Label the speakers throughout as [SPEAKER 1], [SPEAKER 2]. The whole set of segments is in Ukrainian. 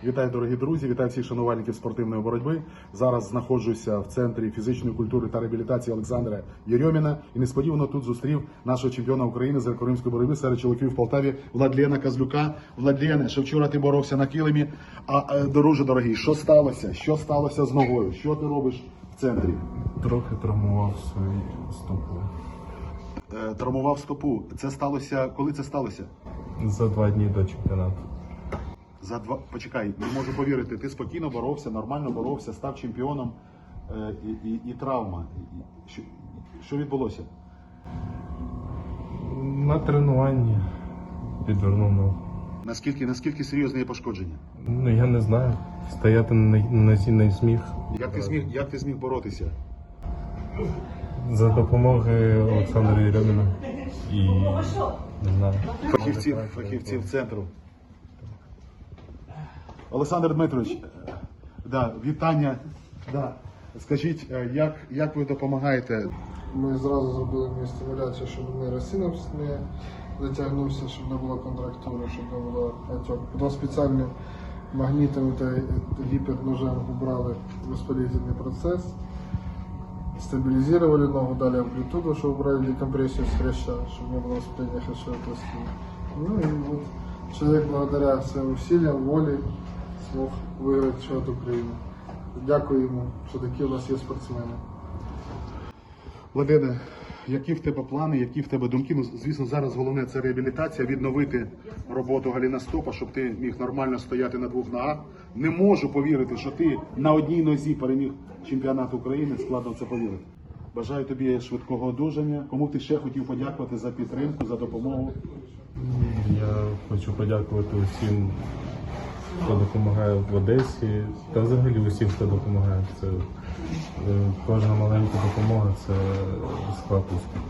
[SPEAKER 1] Вітаю, дорогі друзі, вітаю всіх шанувальників спортивної боротьби. Зараз знаходжуся в центрі фізичної культури та реабілітації Олександра Єрьоміна і несподівано тут зустрів нашого чемпіона України з греко-римської боротьби серед чоловіків в Полтаві Владлена Козлюка. Владлене, що вчора ти боровся на килимі, друже дорогий, що сталося? Що сталося з ногою? Що ти робиш в центрі?
[SPEAKER 2] Трохи травмував свою стопу.
[SPEAKER 1] Травмував стопу. Це сталося, коли це сталося?
[SPEAKER 2] За 2 дні до чемпіонату.
[SPEAKER 1] Почекай, не можу повірити, ти спокійно боровся, нормально боровся, став чемпіоном і травма. Що відбулося?
[SPEAKER 2] На тренуванні підвернув ногу.
[SPEAKER 1] Наскільки серйозне є пошкодження?
[SPEAKER 2] Ну я не знаю. Стояти на нозі не зміг.
[SPEAKER 1] Як ти зміг боротися?
[SPEAKER 2] За допомогою Олександра Єрьоміна і не знаю.
[SPEAKER 1] Фахівців центру. Олександр Дмитрович, вітання. Скажіть, як ви допомагаєте?
[SPEAKER 3] Ми зразу зробили мені стимуляцію, щоб не розсинався, не затягнувся, щоб не було контрактури, щоб не було отек. Потім спеціальним магнітом та гіперножем убрали воспалительний процес, стабилизировали ногу, дали амплитуду, чтобы убрали декомпрессию с хряща, чтобы не было воспаления хрящевой пластины. Ну и вот человек благодаря своим усилиям, воле смог выиграть чемпионат Украины. Дякую йому, що такі у нас є спортсмени.
[SPEAKER 1] Владлене, які в тебе плани, які в тебе думки? Ну, звісно, зараз головне це реабілітація, відновити роботу галіностопа, щоб ти міг нормально стояти на 2 ногах. Не можу повірити, що ти на одній нозі переміг чемпіонат України, складно в це повірити. Бажаю тобі швидкого одужання. Кому ти ще хотів подякувати за підтримку, за допомогу?
[SPEAKER 2] Я хочу подякувати усім, хто допомагає в Одесі, та взагалі усім, хто допомагає. Це кожна маленька допомога – це склад успіху.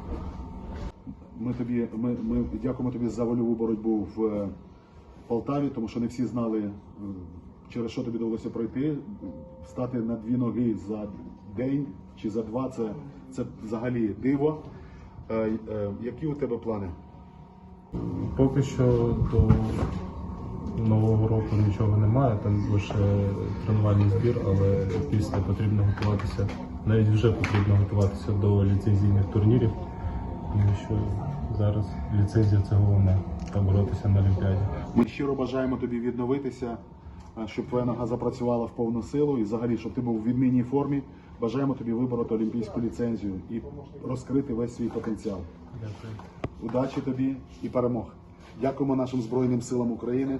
[SPEAKER 1] Ми дякуємо тобі за вольову боротьбу в Полтаві, тому що не всі знали, через що тобі довелося пройти. Встати на 2 ноги за день чи за 2 – це взагалі диво. Які у тебе плани?
[SPEAKER 2] Поки що до Нового року нічого немає, там лише тренувальний збір, але після потрібно готуватися, навіть вже потрібно готуватися до ліцензійних турнірів, тому що зараз ліцензія – це головне, та боротися на Олімпіаді.
[SPEAKER 1] Ми щиро бажаємо тобі відновитися, щоб твоя нога запрацювала в повну силу і взагалі, щоб ти був в відмінній формі. Бажаємо тобі вибороти олімпійську ліцензію і розкрити весь свій потенціал.
[SPEAKER 2] Дякую.
[SPEAKER 1] Удачі тобі і перемог. Дякуємо нашим Збройним силам України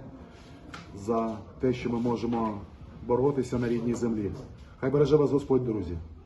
[SPEAKER 1] за те, що ми можемо боротися на рідній землі. Хай береже вас Господь, друзі.